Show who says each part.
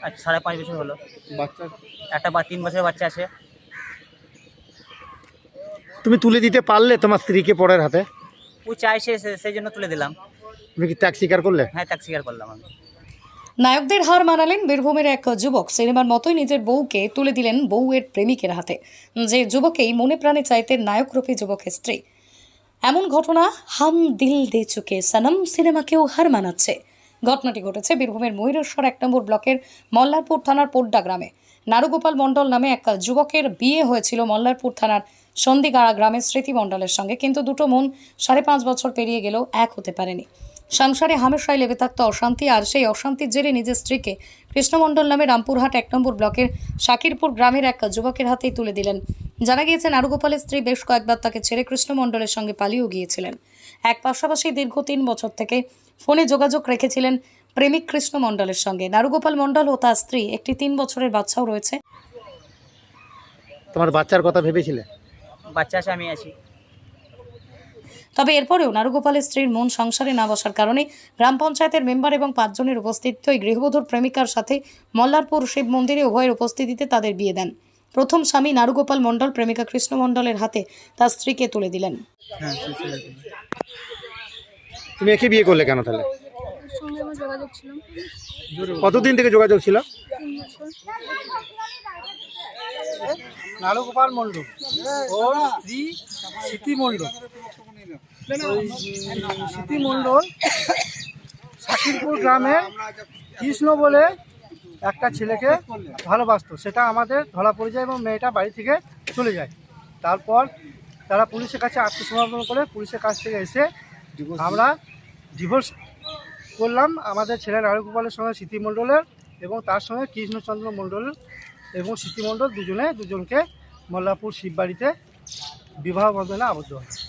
Speaker 1: আজ 5.5 বছর হলো।
Speaker 2: বাচ্চা
Speaker 1: একটা 3 বছরের বাচ্চা আছে।
Speaker 2: তুমি তুলে দিতে পারলে তোমার স্ত্রীকে পরের হাতে?
Speaker 1: ও চাইছে সেই জন্য তুলে দিলাম।
Speaker 2: তুমি কি ত্যাগ স্বীকার করলে?
Speaker 1: হ্যাঁ, ত্যাগ স্বীকার করলাম আমি।
Speaker 3: নায়কদের হার মানালেন বীরভূমের এক যুবক। সিনেমার মতোই নিজের বউকে তুলে দিলেন বউয়ের প্রেমিকের হাতে। যে যুবকেই মনে প্রাণে চাইতেন নায়করূপী যুবকের স্ত্রী। এমন ঘটনা হাম দিল দে চুকে সনম সিনেমাকেও হার মানাচ্ছে। ঘটনাটি ঘটেছে বীরভূমের ময়ূরেশ্বর 1 নম্বর ব্লকের মল্লারপুর থানার পোড্ডা গ্রামে। নারুগোপাল মণ্ডল নামে এক যুবকের বিয়ে হয়েছিল মল্লারপুর থানার সন্দিগাড়া গ্রামের স্মৃতি মণ্ডলের সঙ্গে, কিন্তু দুটো মন 5.5 বছর পেরিয়ে গেলেও এক হতে পারেনি। সংসারে হামেশাই লেগে থাকত অশান্তি, আর সেই অশান্তির জেরে নিজের স্ত্রীকে কৃষ্ণ মণ্ডল নামে রামপুরহাট 1 নম্বর ব্লকের শাকিরপুর গ্রামের এক যুবকের হাতেই তুলে দিলেন। জানা গিয়েছে নারুগোপালের স্ত্রী বেশ কয়েকবার তাকে ছেড়ে কৃষ্ণ মণ্ডলের সঙ্গে পালিয়েও গিয়েছিলেন। এক পাশাপাশি দীর্ঘ 3 বছর থেকে ফোনে যোগাযোগ রেখেছিলেন প্রেমিক কৃষ্ণ মণ্ডলের সঙ্গে। নারুগোপাল মণ্ডল ও তার স্ত্রী একটি 3 বছরের বাচ্চাও রয়েছে।
Speaker 2: তোমার বাচ্চার কথা ভেবেছিলে?
Speaker 1: বাচ্চা আছে, আমি আছি।
Speaker 3: তবে এরপরেও নারুগোপালের স্ত্রীর মন সংসারে না বসার কারণে গ্রাম পঞ্চায়েতের মেম্বার এবং 5 জনের উপস্থিতিতে ওই গৃহবধূর প্রেমিকার সাথে মল্লারপুর শিব মন্দিরে উভয়ের উপস্থিতিতে তাদের বিয়ে দেন। প্রথম স্বামী নারুগোপাল মণ্ডল প্রেমিকা কৃষ্ণ মণ্ডলের হাতে তার স্ত্রীকে তুলে দিলেন।
Speaker 2: তুমি একে বিয়ে করলে কেন তাহলে?
Speaker 4: সঙ্গে আমার যোগাযোগ ছিল।
Speaker 2: কতদিন থেকে যোগাযোগ ছিল?
Speaker 4: 3 বছর।
Speaker 5: নারুগোপাল মণ্ডল ওর স্ত্রী স্মৃতি মণ্ডল। ওই স্মৃতি মণ্ডল শাকিরপুর গ্রামে কৃষ্ণ বলে একটা ছেলেকে ভালোবাসতো, সেটা আমাদের ধরা পড়ে যায় এবং মেয়েটা বাড়ি থেকে চলে যায়। তারপর তারা পুলিশের কাছে আত্মসমর্পণ করে পুলিশের কাছ থেকে এসে আমরা ডিভোর্স করলাম। আমাদের ছেলে নারুগোপালের সঙ্গে স্মৃতি মণ্ডলের এবং তার সঙ্গে কৃষ্ণচন্দ্র মণ্ডল এবং স্মৃতি মণ্ডল দুজনকে মল্লারপুর শিববাড়িতে বিবাহ বন্ধনে আবদ্ধ হয়।